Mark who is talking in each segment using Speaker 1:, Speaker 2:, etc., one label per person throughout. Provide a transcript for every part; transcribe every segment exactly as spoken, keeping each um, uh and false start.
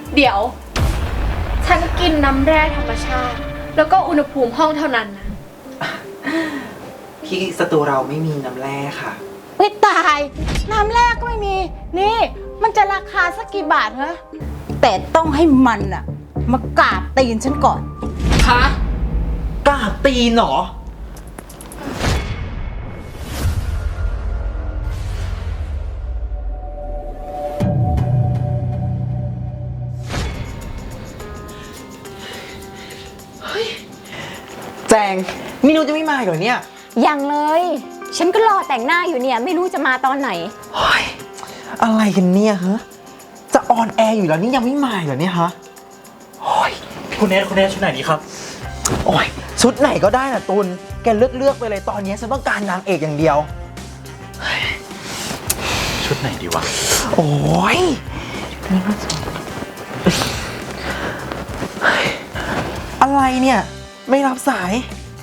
Speaker 1: เดี๋ยวฉันกินน้ำแร่ธรรมชาติแล้วก็อุณหภูมิห้องเท่านั้นนะ
Speaker 2: ที่สตูเราไม่มีน้ำแร่ค่ะ
Speaker 3: ไม่ตายน้ำแร่ก็ไม่มีนี่มันจะราคาสักกี่บาทเหรอแต่ต้องให้มันอะมากราบตีนฉันก่อน
Speaker 2: ฮะกราบตีนเหรอแจงนี่นุชจะไม่มาเหรอเนี่ย
Speaker 4: ยังเลยฉันก็รอแต่งหน้าอยู่เนี่ยไม่รู้จะมาตอนไหน
Speaker 2: เฮ้ยอะไรกันเนี่ยฮะจะออนแอร์อยู่แล้วนี่ยังไม่มาเหรอเนี่ยฮะโอ้ย
Speaker 5: คุณเนทคุณเนทชุดไหนดีครับ
Speaker 2: โอ้ยชุดไหนก็ได้น่ะตุลแกเลือกเลือกไปเลยตอนนี้ฉันต้องการนางเอกอย่างเดียว
Speaker 5: ชุดไหนดีวะ
Speaker 2: โอ้ยอะไรเนี่ยไม่รับสาย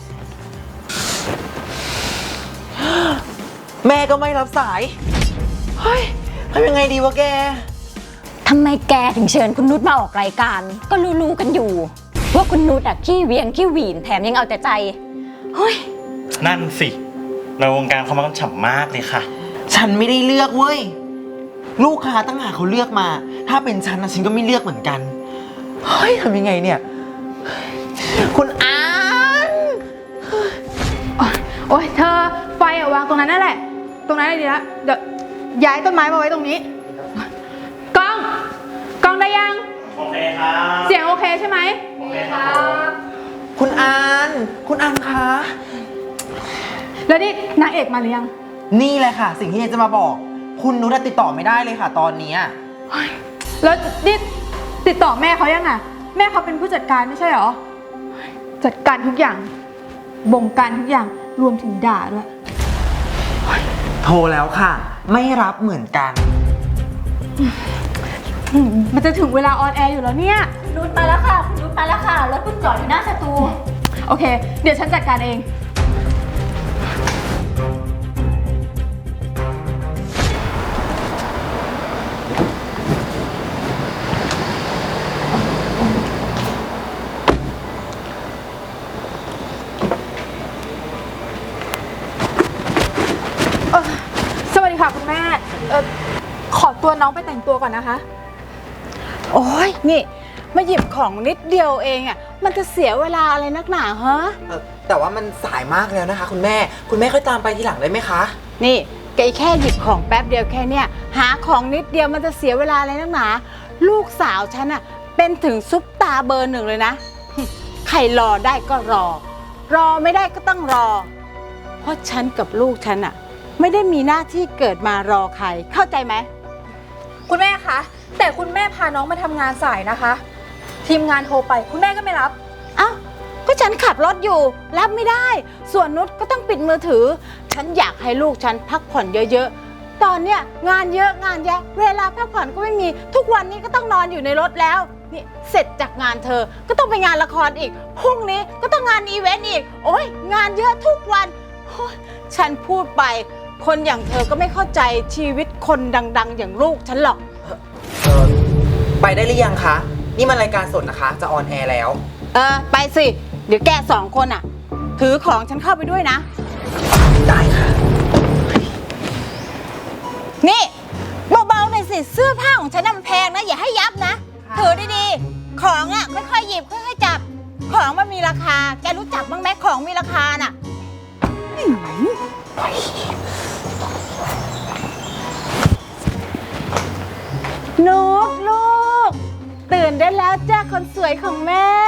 Speaker 2: แม่ก็ไม่รับสายเฮ้ยทำยังไงดีวะแก
Speaker 4: ทำไมแกถึงเชิญคุณนุชมาออกรายการก็รู้ๆกันอยู่ว่าคุณนุชอะขี้เวียงขี้หวีนแถมยังเอาแต่ใจเฮ้ย
Speaker 5: นั่นสิในวงการเขามันฉ่ำมากเลยค่ะ
Speaker 2: ฉันไม่ได้เลือกเว้ยลูกค้าตั้งหากเขาเลือกมาถ้าเป็นฉันนะฉันก็ไม่เลือกเหมือนกันเฮ้ยทำยังไงเนี่ยคุณอาน
Speaker 1: โอ้ยเธอไฟอะวางตรงนั้นนั่นแหละตรงนั้นเลยดีละเดี๋ยวย้ายต้นไม้มาไว้ตรงนี้กล้องกล้องได้ยัง
Speaker 5: โอเคครับ
Speaker 1: เสียงโอเคใช่ไหม
Speaker 5: โอเคครับ
Speaker 2: คุณอานคุณอานคะ
Speaker 1: แล้วนี่นางเอกมาหรือยัง
Speaker 2: นี่เลยค่ะสิ่งที่จะมาบอกคุณนุชติดต่อไม่ได้เลยค่ะตอนนี้
Speaker 1: แล้วนี่ติดต่อแม่เขายังอะแม่เขาเป็นผู้จัดการไม่ใช่หรอจัดการทุกอย่างบงการทุกอย่างรวมถึงด่าด้วย
Speaker 2: โทรแล้วค่ะไม่รับเหมือนกัน
Speaker 1: มันจะถึงเวลาออนแอร์อยู่แล้วเนี่ย
Speaker 4: นุชมาแล้วค่ะนุชมาแล้วค่ะรถเพิ่งจอดอยู่หน้าสตู
Speaker 1: โอเคเดี๋ยวฉันจัดการเองสวัสดีค่ะคุณแม่เอ่อขอตัวน้องไปแต่งตัวก่อนนะคะ
Speaker 3: โอ้ยนี่มาหยิบของนิดเดียวเองอ่ะมันจะเสียเวลาอะไรนักหนาฮะ
Speaker 2: แต่ว่ามันสายมากแล้วนะคะคุณแม่คุณแม่ค่อยตามไปทีหลังได้ไหมคะ
Speaker 3: นี่แกแค่หยิบของแป๊บเดียวแค่เนี้ยหาของนิดเดียวมันจะเสียเวลาอะไรนักหนาลูกสาวฉันอ่ะเป็นถึงซุปตาเบอร์หนึ่งเลยนะใครรอได้ก็รอรอไม่ได้ก็ต้องรอเพราะฉันกับลูกฉันอ่ะไม่ได้มีหน้าที่เกิดมารอใครเข้าใจไหม
Speaker 1: คุณแม่คะแต่คุณแม่พาน้องมาทำงานสายนะคะทีมงานโทรไปคุณแม่ก็ไม่รับ
Speaker 3: เอ้าก็ฉันขับรถอยู่รับไม่ได้ส่วนนุชก็ต้องปิดมือถือฉันอยากให้ลูกฉันพักผ่อนเยอะๆตอนเนี้ยงานเยอะงานแยะเวลาพักผ่อนก็ไม่มีทุกวันนี้ก็ต้องนอนอยู่ในรถแล้วนี่เสร็จจากงานเธอก็ต้องไปงานละครอีกพรุ่งนี้ก็ต้องงานอีเวนต์อีกโอ๊ยงานเยอะทุกวันฉันพูดไปคนอย่างเธอก็ไม่เข้าใจชีวิตคนดังๆอย่างลูกฉันหรอก
Speaker 2: ไปได้หรือยังคะนี่มันรายการสดนะคะจะออนแอร์แล้ว
Speaker 3: เออไปสิเดี๋ยวแกสองคนอ่ะถือของฉันเข้าไปด้วยนะ
Speaker 2: ได้ค่ะ
Speaker 3: นี่เบาๆหน่อยสิเสื้อผ้าของฉันมันแพงนะอย่าให้ยับนะถือดีๆของอ่ะค่อยๆหยิบค่อยๆจับของมันมีราคาแกรู้จักบ้างไหมของมีราคาน่ะนุชลูกตื่นได้แล้วจ้าคนสวยของแม่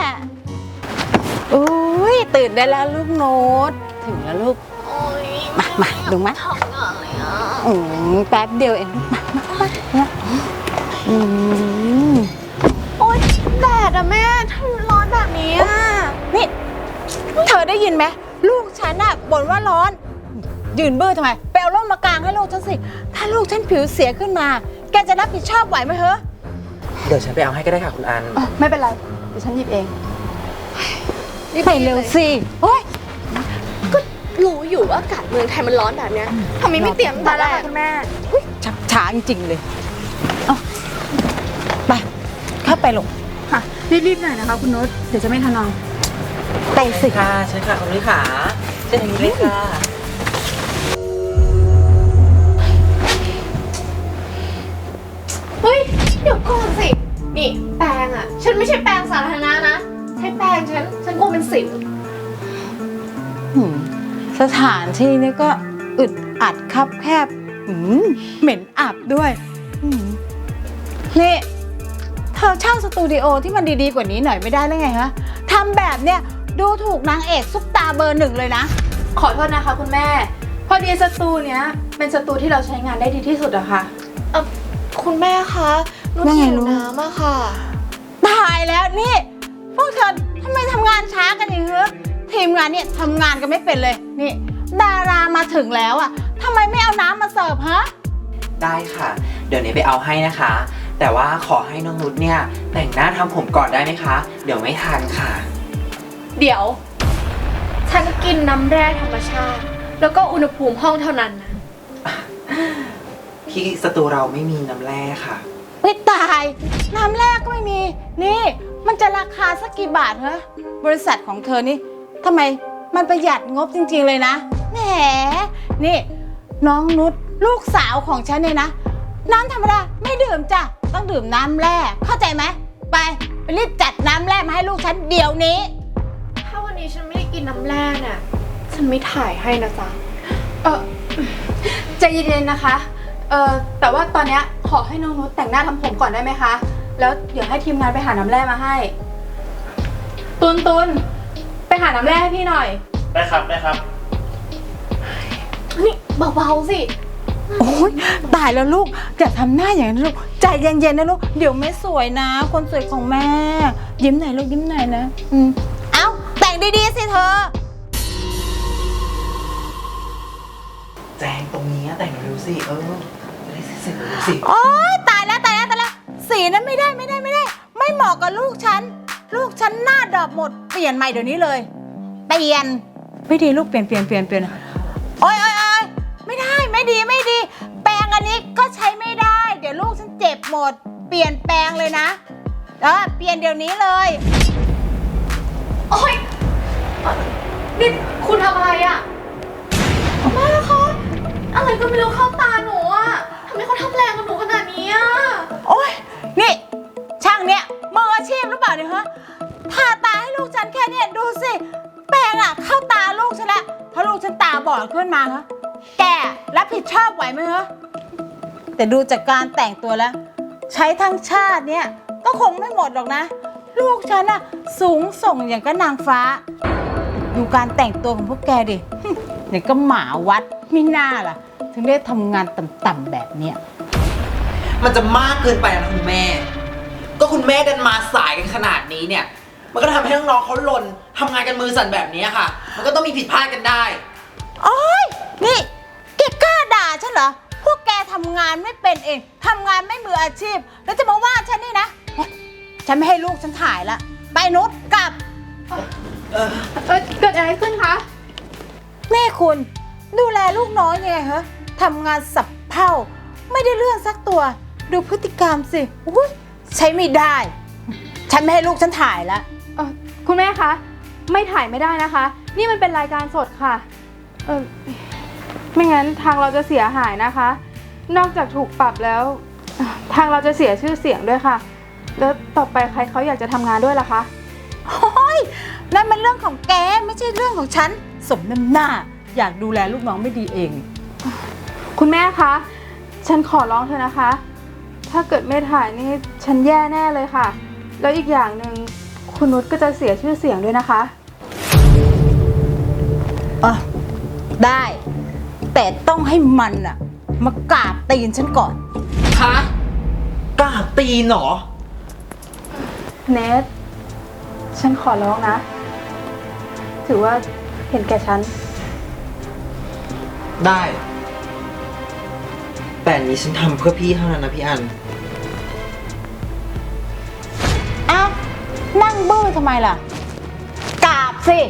Speaker 3: อุ้ยตื่นได้แล้วลูกโน้ตถึงแล้วลูกมามาดูมั้ยอืมแป๊บเดียวเองลูกมามามาอืม
Speaker 1: โอ๊ยแดดอะแม่ทำไมร้อนแบบนี้อะ
Speaker 3: นี่เธอได้ยินไหมลูกฉันอะบ่นว่าร้อนยืนเบื้อทำไมไปเอาร่มมากางให้ลูกฉันสิถ้าลูกฉันผิวเสียขึ้นมาแกจะรับผิดชอบไหวไหมเหรอ
Speaker 2: เดี๋ยวฉันไปเอาให้ก็ได้ค่ะคุณอัน
Speaker 1: ไม่เป็นไรเดี๋ยวฉันหยิบเอง
Speaker 3: ไปเร็วสิโอ๊ย
Speaker 1: ก็รู้อยู่ว่าอากาศเมืองไทยมันร้อนแบบนี้ทำไมไม่เตรียมตั้งแต่แรกคุณแม่
Speaker 3: ชักช้าจริงๆเลยเอาไปไปลูก
Speaker 1: ค่ะ รีบๆหน่อยนะคะคุณนุช เดี๋ยวจะไม่ทันนอน
Speaker 3: ไปสิ
Speaker 2: ค่ะใช่ค่ะคุณนุ้ยขาเช่นนี้เลยค่ะ
Speaker 6: เฮ้ย เดี๋ยวก่อนสิ นี่แปรงอ่ะ ฉันไม่ใช่แปรงสาธารณะนะ ใช้แปรงฉัน ฉันกลัวเป็นสิว
Speaker 3: หืมสถานที่นี้ก็อึดอัดคับแคบหืมเหม็นอับด้วยหืมนี่เธอเช่าสตูดิโอที่มันดีๆกว่านี้หน่อยไม่ได้แล้วไงฮะทำแบบเนี้ยดูถูกนางเอกซุปตาเบอร์หนึ่งเลยนะ
Speaker 1: ขอโทษนะคะคุณแม่ พอดีสตูเนี้ยเป็นสตูที่เราใช้งานได้ดีที่สุดอะค่ะ
Speaker 6: เอ่อคุณแม่คะนุช
Speaker 3: ว่าไง
Speaker 6: หิว
Speaker 3: ลูก
Speaker 6: น้ำอะค่ะ
Speaker 3: ตายแล้วนี่ พวกเธอทำไมทำงานช้ากันอย่างเงี้ยทีมงานเนี่ยทำงานกันไม่เป็นเลยนี่ ดารามาถึงแล้วอ่ะทำไมไม่เอาน้ำมาเสิร์ฟฮะ
Speaker 2: ได้ค่ะ เดี๋ยวนี้ไปเอาให้นะคะ แต่ว่าขอให้น้องนุชเนี่ยแต่งหน้าทำผมก่อนได้ไหมคะ เดี๋ยวไม่ทันค่ะ
Speaker 6: เดี๋ยว ฉันกินน้ำแร่ธรรมชาติ แล้วก็อุณหภูมิห้องเท่านั้นนะ
Speaker 2: ที่สตูเราไม่มีน้ำแร่ค่ะ
Speaker 3: ไม่ตาย น้ำแรกก็ไม่มี นี่ มันจะราคาสักกี่บาทฮะบริษัทของเธอนี่ทำไมมันประหยัดงบจริงๆเลยนะแหมนี่ น้องนุชลูกสาวของฉันเนี่ยนะ น้ำธรรมดาไม่ดื่มจ้ะต้องดื่มน้ำแร่เข้าใจไหมไปไปรีบจัดน้ำแร่มาให้ลูกฉันเดี๋ยวนี้
Speaker 6: ถ้าวันนี้ฉันไม่ได้กินน้ำแร่เนี่ย ฉันไม่ถ่ายให้นะจ๊ะ
Speaker 1: เออใจเย็นๆนะคะ เออแต่ว่าตอนเนี้ยขอให้น้องนุชแต่งหน้าทำผมก่อนได้ไหมคะ แล้วเดี๋ยวให้ทีมงานไปหาน้ำแร่มาให้ ตุนตุนไปหาน้ำแร่ให้พี่หน่อย
Speaker 5: ได้ครับ ได้ครับ
Speaker 6: นี่เบาๆสิ
Speaker 3: โอ้ยตายแล้วลูกอย่าทำหน้าอย่างนั้นลูกใจเย็นๆนะลูกเดี๋ยวไม่สวยนะ คนสวยของแม่ ยิ้มหน่อยลูกยิ้มหน่อยนะอืมเอ้าแต่งดีๆสิเธอ
Speaker 2: แจงตรงนี้แต่งเร็วๆสิเออจะได้เสร็จๆเร็วๆสิ
Speaker 3: โอ๊ยตายแล้วตายแล้วตายแล้วสีนั้นไม่ได้ไม่ได้ไม่ได้ ไม่เหมาะกับลูกฉัน ลูกฉันหน้าดอกหมดเปลี่ยนใหม่เดี๋ยวนี้เลย เปลี่ยนไม่ดีลูกเปลี่ยนเปลี่ยนเปลี่ยนเปลี่ยนโอ๊ยโอ๊ยโอ๊ยไม่ได้ไม่ดีไม่ดี แปรงอันนี้ก็ใช้ไม่ได้ เดี๋ยวลูกฉันเจ็บหมด เปลี่ยนแปลงเลยนะเออเปลี่ยนเดี๋ยวนี้เลย
Speaker 6: โอ๊ยเอ่อนี่คุณทำอะไรอะแม่คะอะไรก็ไม่รู้เข้าตาหนูอะทำไมเขาทำแรงกับหนูขนาดนี้อะ
Speaker 3: โอ๊ยนี่ช่างเนี้ยมืออาชีพหรือเปล่าเนี่ยฮะทาตาให้ลูกฉันแค่เนี้ยดูสิแปรงอะเข้าตาลูกฉันละถ้าลูกฉันตาบอดขึ้นมาฮะแกรับผิดชอบไหวไหมฮะแต่ดูจากการแต่งตัวแล้ว ใช้ทั้งชาติเนี่ยก็คงไม่หมดหรอกนะ ลูกฉันอะสูงส่งอย่างก็นางฟ้า ดูการแต่งตัวของพวกแกดิ อย่างก็หมาวัดไม่น่าล่ะ ถึงได้ทำงานต่ำๆแบบเนี้ย
Speaker 2: มันจะมากเกินไปนะคุณแม่ ก็คุณแม่ดันมาสายกันขนาดนี้เนี่ย มันก็ทำให้น้องๆเขาหล่นทำงานกันมือสั่นแบบนี้ค่ะ มันก็ต้องมีผิดพลาดกันได้
Speaker 3: โอ๊ย นี่แกกล้าด่าฉันเหรอ พวกแกทำงานไม่เป็นเอง ทำงานไม่มืออาชีพ แล้วจะมาว่าฉันนี่นะโอ๊ยฉันไม่ให้ลูกฉันถ่ายละ ไปนุชกลับ
Speaker 1: เออเกิดอะไรขึ้นคะ
Speaker 3: นี่คุณดูแลลูกน้อยยังไงฮะทำงานสับเพ่าไม่ได้เรื่องสักตัว ดูพฤติกรรมสิอุ๊ยใช้ไม่ได้ ฉันไม่ให้ลูกฉันถ่ายละ
Speaker 1: เออคุณแม่คะ ไม่ถ่ายไม่ได้นะคะ นี่มันเป็นรายการสดค่ะ เออไม่งั้นทางเราจะเสียหายนะคะ นอกจากถูกปรับแล้ว ทางเราจะเสียชื่อเสียงด้วยค่ะ แล้วต่อไปใครเขาอยากจะทำงานด้วยล่ะคะ
Speaker 3: โอ้ยนั่นมันเรื่องของแกไม่ใช่เรื่องของฉัน สมน้ำหน้า อยากดูแลลูกน้องไม่ดีเอง
Speaker 1: คุณแม่คะ ฉันขอร้องเธอนะคะ ถ้าเกิดไม่ถ่ายนี่ฉันแย่แน่เลยค่ะ แล้วอีกอย่างหนึ่งคุณนุชก็จะเสียชื่อเสียงด้วยนะคะ
Speaker 3: อ่ะได้ แต่ต้องให้มันอะมากราบตีนฉันก่อน
Speaker 2: ฮะกล้าตีนเหรอ
Speaker 1: เนทฉันขอร้องนะ ถือว่าเห็นแก่ฉัน
Speaker 2: ได้ แต่อันนี้ฉันทำเพื่อพี่เท่านั้นนะพี่อัน
Speaker 3: อ้าวนั่งบื้อทำไมล่ะ กราบสิ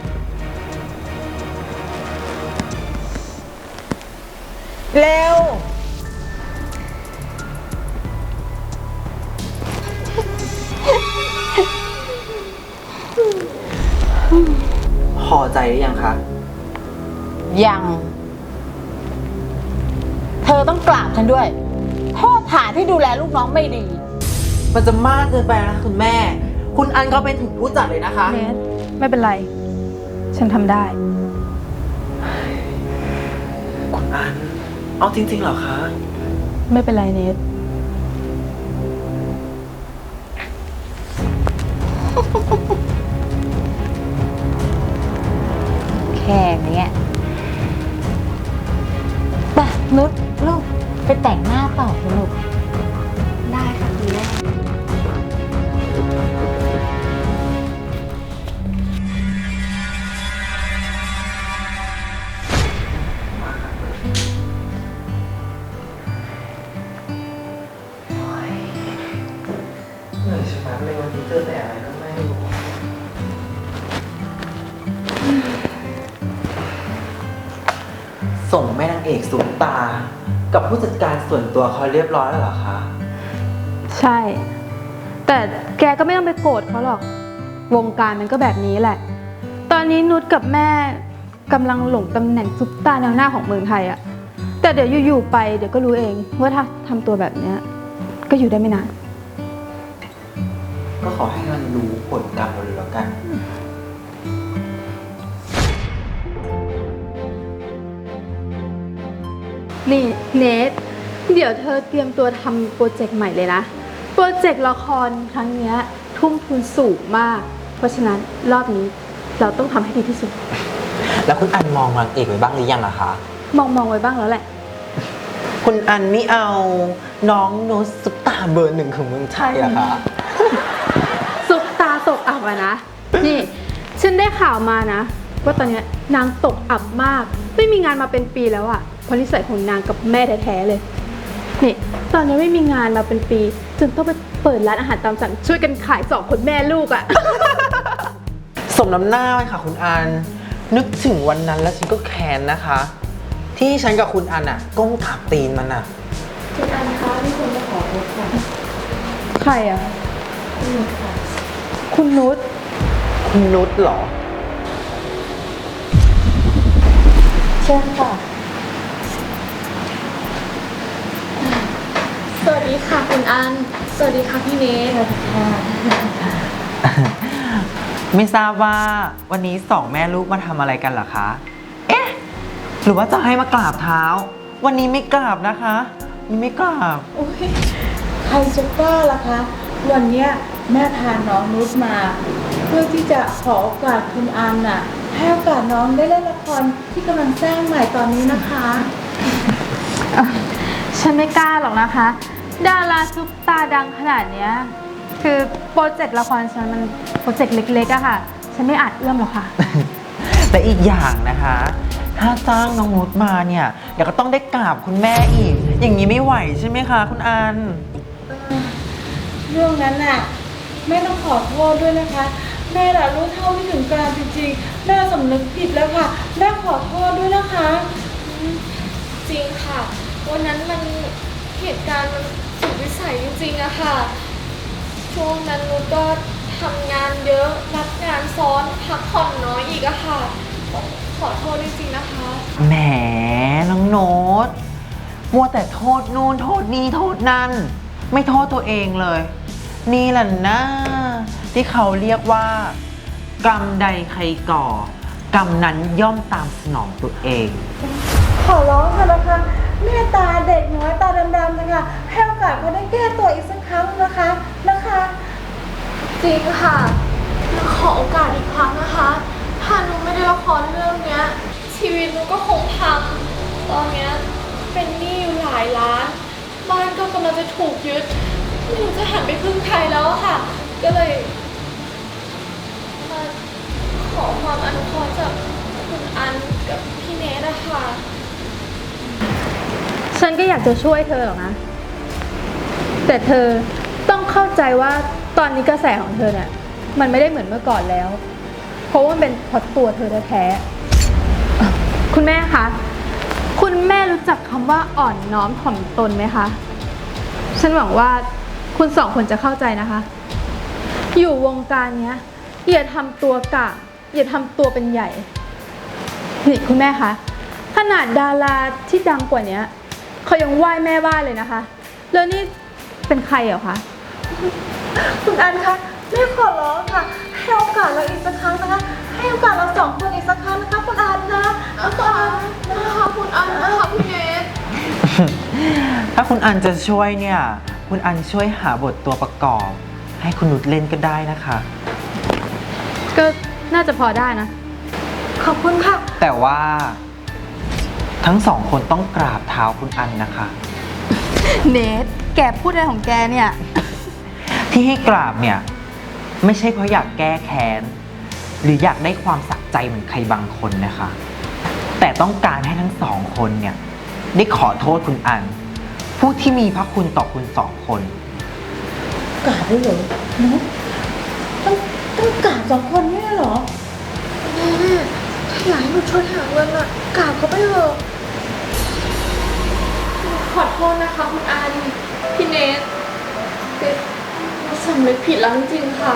Speaker 3: เร็ว
Speaker 2: ใจหรือยังคะ
Speaker 3: ยัง เธอต้องกราบฉันด้วยโทษฐานที่ดูแลลูกน้องไม่ดี
Speaker 2: มันจะมากเกินไปนะคุณแม่ คุณอันเขาเป็นถึงผู้จัดเลยนะคะ
Speaker 1: เนทไม่เป็นไร ฉันทำได้
Speaker 2: คุณอัน เอาจริงๆเหรอคะ
Speaker 1: ไม่เป็นไรเนท
Speaker 4: แค่เนี้ยไปนุชลูกไปแต่งหน้าต่อเถอะลูก
Speaker 6: ได้ค่ะคุณแม่
Speaker 2: เหนื่อยใช่ไหมเลยวันนี้เจอแต่อะไรก็ไม่รู้ ส่งแม่นางเอกสูงตา กับผู้จัดการส่วนตัวเขาเรียบร้อยแล้วเหรอคะ
Speaker 1: ใช่ แต่แกก็ไม่ต้องไปโกรธเขาหรอก วงการมันก็แบบนี้แหละ ตอนนี้นุชกับแม่กำลังหลงตำแหน่งซุปตาแนวหน้าของเมืองไทยอะแต่เดี๋ยวอยู่ๆไปเดี๋ยวก็รู้เองว่าถ้าทำตัวแบบเนี้ยก็อยู่ได้ไม่นาน
Speaker 2: ก็ขอให้มันรู้ผลกรรมเราเลยแล้วกัน
Speaker 1: นี่เนทเดี๋ยวเธอเตรียมตัวทำโปรเจกต์ใหม่เลยนะ โปรเจกต์ละครครั้งเนี้ยทุ่มทุนสูงมาก เพราะฉะนั้นรอบนี้เราต้องทำให้ดีที่สุด
Speaker 2: แล้วคุณอันมองนางเอกไว้บ้างหรือยังอะคะ
Speaker 1: มองมองไว้บ้างแล้วแหละ
Speaker 2: คุณอันไม่เอาน้องโนตซุปตาเบอร์หนึ่งของเมืองไทยอะคะ
Speaker 1: ซุปตาตกอับอะนะ นี่ ฉันได้ข่าวมานะ ว่าตอนเนี้ยนางตกอับมาก ไม่มีงานมาเป็นปีแล้วอะเพราะนิสัยของนางกับแม่แท้ๆเลย นี่ ตอนนี้ไม่มีงานมาเป็นปีจนต้องไปเปิดร้านอาหารตามสั่งช่วยกันขายสองคนแม่ลูกอะ
Speaker 2: สมน้ำหน้าเลยค่ะคุณอัน นึกถึงวันนั้นแล้วฉันก็แค้นนะคะ ที่ฉันกับคุณอันอะก้มกราบตีนมันอะ
Speaker 6: คุณอันคะที่คุณจะขอโทษค่ะ
Speaker 1: ใครอะคุณนุช
Speaker 2: คุณนุชเหรอ
Speaker 1: เชิญค่ะ
Speaker 6: สวัสดีค่ะคุณอัน สวัสดีค่ะพี่เนท
Speaker 2: ไม่ทราบว่าวันนี้สองแม่ลูกมาทำอะไรกันเหรอคะ เอ๊ะ หรือว่าจะให้มากราบเท้า วันนี้ไม่กราบนะคะนี่ไม่กราบ
Speaker 3: ใครจะกล้าล่ะคะ วันเนี้ยแม่พาน้องนุชมา เพื่อที่จะขอโอกาสคุณอันน่ะ ให้โอกาสน้องได้เล่นละครที่กำลังสร้างใหม่ตอนนี้นะคะ
Speaker 1: ฉันไม่กล้าหรอกนะคะ ดาราซุปตาดังขนาดเนี้ยคือโปรเจกต์ละครฉันมันโปรเจกต์เล็กๆอะค่ะ ฉันไม่อาจเอื้อมหรอกค่ะ
Speaker 2: และอีกอย่างนะคะ ถ้าจ้างน้องนุชมาเนี่ย เดี๋ยวก็ต้องได้กราบคุณแม่อีก อย่างนี้ไม่ไหวใช่ไหมคะคุณอัน
Speaker 3: เรื่องนั้นน่ะแม่ต้องขอโทษด้วยนะคะ แม่ละรู้เท่าไม่ถึงการจริงๆแม่สำนึกผิดแล้วค่ะแม่ขอโทษด้วยนะคะ
Speaker 6: จริงค่ะ วันนั้นมันเหตุการณ์มันสุดวิสัยจริงๆอะค่ะ ช่วงนั้นนุชก็ทำงานเยอะรับงานซ้อนพักผ่อนน้อยอีกอะค่ะต้องขอโทษจริงๆนะคะ
Speaker 2: แหมน้องโน้ตมัวแต่โทษนู่นโทษนี่โทษนั่น ไม่โทษตัวเองเลย นี่แหละนะที่เขาเรียกว่า กรรมใดใครก่อ กรรมนั้นย่อมตามสนองตัวเอง
Speaker 3: ขอร้องค่ะนะคะแม่ตาเด็กน้อยตาดำๆนะคะให้โอกาสเขาได้แก้ตัวอีกสักครั้งนะคะนะคะ
Speaker 6: จริงค่ะหนูขอโอกาสอีกครั้งนะคะ ถ้าหนูไม่ได้ละครเรื่องเนี้ย ชีวิตหนูก็คงพัง ตอนเนี้ยเป็นหนี้อยู่หลายล้าน บ้านก็กำลังจะถูกยึด ไม่รู้จะหันไปพึ่งใครแล้วอะค่ะ ก็เลยมาขอความอนุเคราะห์จากคุณอันกับพี่เนทอะค่ะ
Speaker 1: ฉันก็อยากจะช่วยเธอหรอกนะ แต่เธอต้องเข้าใจว่าตอนนี้กระแสของเธอเนี่ยมันไม่ได้เหมือนเมื่อก่อนแล้ว เพราะว่ามันเป็นเพราะตัวเธอแท้ๆคุณแม่คะ คุณแม่รู้จักคำว่าอ่อนน้อมถ่อมตนไหมคะ ฉันหวังว่าคุณสองคนจะเข้าใจนะคะ อยู่วงการเนี้ยอย่าทำตัวกะอย่าทำตัวเป็นใหญ่นี่คุณแม่คะขนาดดาราที่ดังกว่านี้เขายังไหว้แม่บ้านเลยนะคะ แล้วนี่เป็นใครเหรอคะ
Speaker 6: คุณอันคะแม่ขอร้องค่ะ ให้โอกาสเราอีกสักครั้งนะคะ ให้โอกาสเราสองคนอีกสักครั้งนะคะคุณอันนะนะคะนะคะคุณอันนะคะคุณเนท
Speaker 2: ถ้าคุณอันจะช่วยเนี่ย คุณอันช่วยหาบทตัวประกอบ ให้คุณนุชเล่นก็ได้นะคะ
Speaker 1: ก็น่าจะพอได้นะ
Speaker 6: ขอบคุณค่ะ
Speaker 2: แต่ว่าทั้งสองคนต้องกราบเท้าคุณอันนะคะ
Speaker 1: เนทแกพูดอะไรของแกเนี่ย
Speaker 2: ที่ให้กราบเนี่ย ไม่ใช่เพราะอยากแก้แค้น หรืออยากได้ความสะใจเหมือนใครบางคนนะคะ แต่ต้องการให้ทั้งสองคนเนี่ยได้ขอโทษคุณอัน ผู้ที่มีพระคุณต่อคุณสองคน
Speaker 3: กราบด้วยเหรอนุชต้องต้องกราบสองคนเนี่ยเหรอ
Speaker 6: แม่ถ้าอยากให้หนูช่วยหาเงินอะกราบเขาไปเถอะขอโทษนะคะคุณอันพี่เนทคือหนูสำนึกผิดแล้วจริงๆค่ะ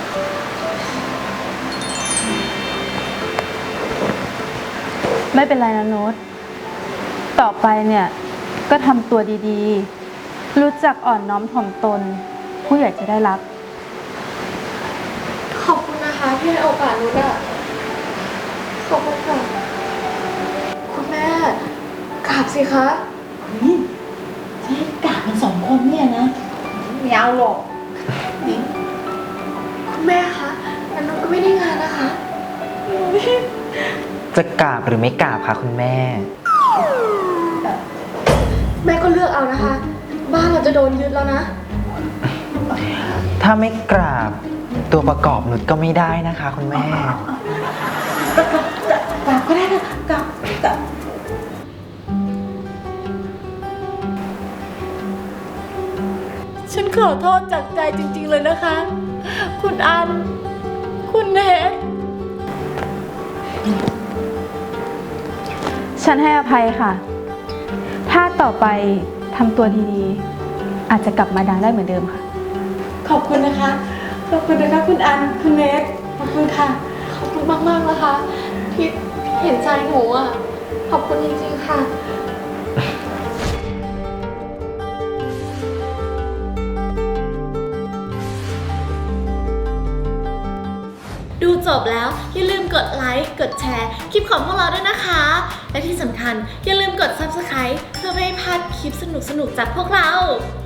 Speaker 1: ไม่เป็นไรนะโน้ตต่อไปเนี่ยก็ทำตัวดีๆ รู้จักอ่อนน้อมถ่อมตน ผู้ใหญ่จะได้รัก
Speaker 6: ขอบคุณนะคะที่ให้โอกาสนุชอะขอบคุณค่ะ คุณแม่กราบสิคะ
Speaker 3: ให้กราบมันสองคนเนี่ยนะไม่เอาหรอก
Speaker 6: คุณแม่คะงั้นนุชก็ไม่ได้งานนะคะ
Speaker 2: จะกราบหรือไม่กราบคะคุณแม่
Speaker 6: แม่ก็เลือกเอานะคะ บ้านเราจะโดนยึดแล้วนะ
Speaker 2: ถ้าไม่กราบตัวประกอบนุชก็ไม่ได้นะคะ คุณแม่
Speaker 3: กราบก็ได้นะกราบกราบ ฉันขอโทษจากใจจริงๆเลยนะคะ คุณอัน คุณเนท
Speaker 1: ฉันให้อภัยค่ะ ถ้าต่อไปทำตัวดีๆ อาจจะกลับมาดังได้เหมือนเดิมค่ะ
Speaker 3: ขอบคุณนะคะ ขอบคุณนะคะคุณอัน คุณเนท ขอบคุณค่ะ
Speaker 6: ขอบคุณมากๆนะคะ ที่เห็นใจหนูอ่ะ ขอบคุณจริงๆค่ะ ดูจบแล้วอย่าลืมกดไลค์ กดแชร์ คลิปของพวกเราด้วยนะคะ และที่สำคัญอย่าลืมกด ซับสไครบ์ เพื่อไม่ให้พลาดคลิปสนุกๆจากพวกเรา